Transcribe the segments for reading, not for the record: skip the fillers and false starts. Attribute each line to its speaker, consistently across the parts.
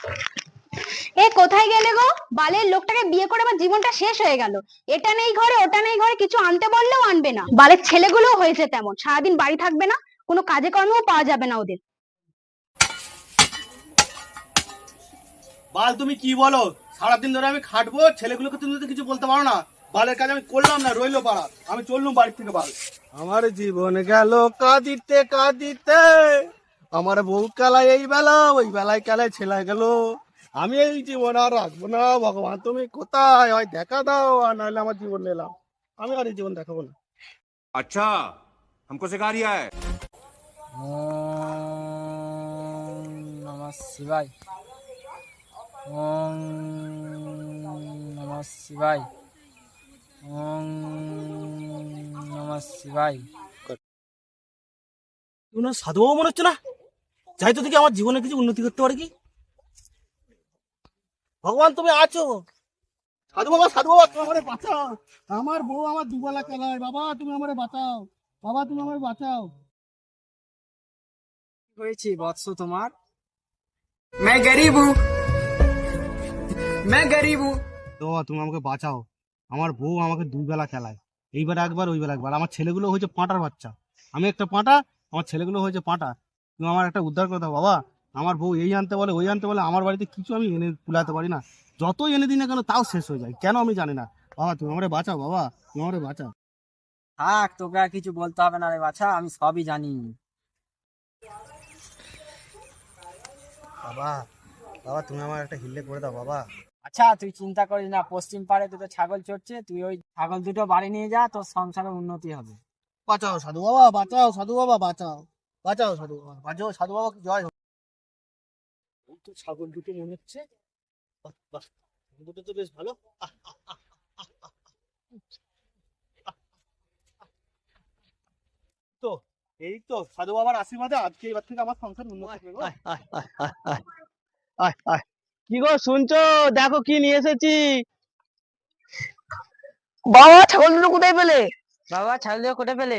Speaker 1: এ কোথায় গেলে গো? বালের লোকটাকে বিয়ে করে আমার জীবনটা শেষ হয়ে গেল। এটা নেই ঘরে, ওটা নেই ঘরে, কিছু আনতে বললেও আনবে না। বালের ছেলেগুলোও হয়েছে তেমন, সারাদিন বাড়ি থাকবে না, কোনো কাজে কর্মেও পাওয়া যাবে না ওদের।
Speaker 2: বাল তুমি কি বলো? সারাদিন ধরে আমি খাটবো, ছেলেগুলোকে তুমি তো কিছু বলতে পারো না। বালের কাজ আমি করলাম না, রইলো পাড়া, আমি চললুম বাড়ি থেকে। বাল আমার জীবন গেল কাঁদিতে কাঁদিতে, আমার বউ কালায় এই বেলা, ওই বেলায় কালায় ছেলে গেল। আমি এই জীবন আর রাখবো না। ভগবান তুমি কোথায়, হয় দেখা দাও, আর নাহলে আমার জীবন নিলাম। আমি আর এই জীবন দেখাবো না।
Speaker 3: अच्छा हमको सिखा रिया है।
Speaker 4: ওম নমঃ শিবায়। ওম নমঃ শিবায়। ওম নমঃ শিবায়।
Speaker 2: তুমি না সাধুবাবু মনে হচ্ছে না? যাই তো দেখি আমার জীবনে কিছু উন্নতি করতে পারে কি। ভগবান তুমি আছো। সাধু বাবা, সাধু বাবা, তুমি আমারে বাঁচাও। আমার বউ আমার দুবেলা খেলায়, বাবা তুমি আমারে বাঁচাও, বাবা তুমি আমারে বাঁচাও।
Speaker 4: কি হয়েছে বৎস তোমার?
Speaker 5: मैं गरीब हूँ, मैं गरीब हूँ।
Speaker 2: তো বাবা তুমি আমাকে বাঁচাও। আমার বউ আমাকে দুবেলা খেলায়, এইবার একবার ওইবার একবার। আমার ছেলেগুলো হয়েছে পাঁটার বাচ্চা, আমি একটা পাঁটা, আমার ছেলেগুলো হয়েছে পাঁটা। তুমি আমার একটা উদ্ধার করে দাও বাবা। আমার বউ এই আনতে বলে ওই আনতে বলে, আমার বাড়িতে কিছু আমি এনে কুলাতে পারি না। যতই এনে দিই না কেন তাও শেষ হয়ে যায়, কেন আমি জানি না। বাবা তুমি আমারে বাঁচাও, বাবা তুমি আমারে বাঁচাও।
Speaker 4: থাক, তোকে আর কিছু বলতে হবে না রে বাছা, আমি সবই জানি।
Speaker 2: বাবা, বাবা তুমি আমার একটা হিল্লে করে দাও বাবা।
Speaker 4: আচ্ছা তুই চিন্তা করিস না, পশ্চিম পাড়ে দুটো ছাগল চড়ছে, তুই ওই ছাগল দুটো বাড়ি নিয়ে যা, তোর সংসারের উন্নতি হবে।
Speaker 2: বাঁচাও সাধু বাবা, বাঁচাও সাধু বাবা, বাঁচাও, বাঁচাও সাধু বাবা, বাঁচাও সাধু বাবা, জয় হোক। এই তো ছাগল দুটো মনে হচ্ছে। বাহ, বাহ, ছাগল দুটো তো বেশ ভালো। আহ, আহ, আহ, আহ, আহ, তো এই তো সাধু বাবার আশীর্বাদে আজকে এবার থেকে আমার সংসার উন্নতি হবে গো। কি গো শুনছো? দেখো কি নিয়ে এসেছি।
Speaker 1: বাবা ছাগল দুটো কোথায় পেলে?
Speaker 4: বাবা ছাগল দুটো কোটে পেলে?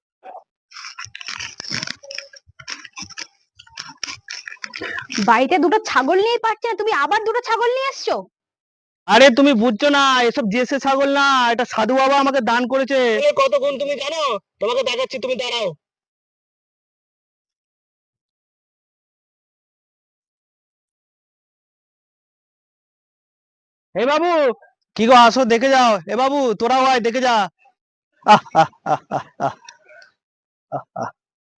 Speaker 1: বাড়িতে দুটো ছাগল নিয়েই পারছে না, তুমি আবার দুটো ছাগল নিয়ে এসছো?
Speaker 2: আরে তুমি বুঝছো না, এসব দেশে ছাগল না, এটা সাধু বাবা আমাকে দান করেছে। কত গুণ তুমি জানো? তোমাকে দেখাচ্ছি, তুমি দাঁড়াও। এ বাবু, কি গো আসো দেখে যাও। এ বাবু তোরাও আয় দেখে যা। আহ, আহ, আহ, আহ, আহ, আহ, আহ।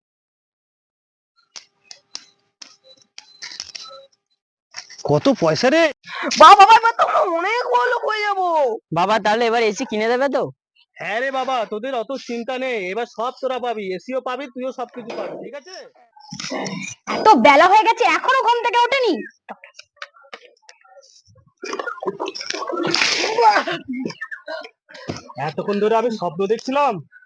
Speaker 2: কত পয়সা রে
Speaker 1: বাবা এবার তো আমরা অনেক বড় লোক হয়ে যাবো।
Speaker 4: বাবা তাহলে এবার এসি কিনে দেবে তো?
Speaker 2: হ্যাঁ রে বাবা, তোদের অত চিন্তা নেই, এবার সব তোরা পাবি, এসিও পাবি, তুইও সবকিছু পাবি, ঠিক আছে।
Speaker 1: এত বেলা হয়ে গেছে এখনো ঘুম থেকে ওঠেনি।
Speaker 2: এতক্ষণ ধরে আমি স্বপ্ন দেখছিলাম,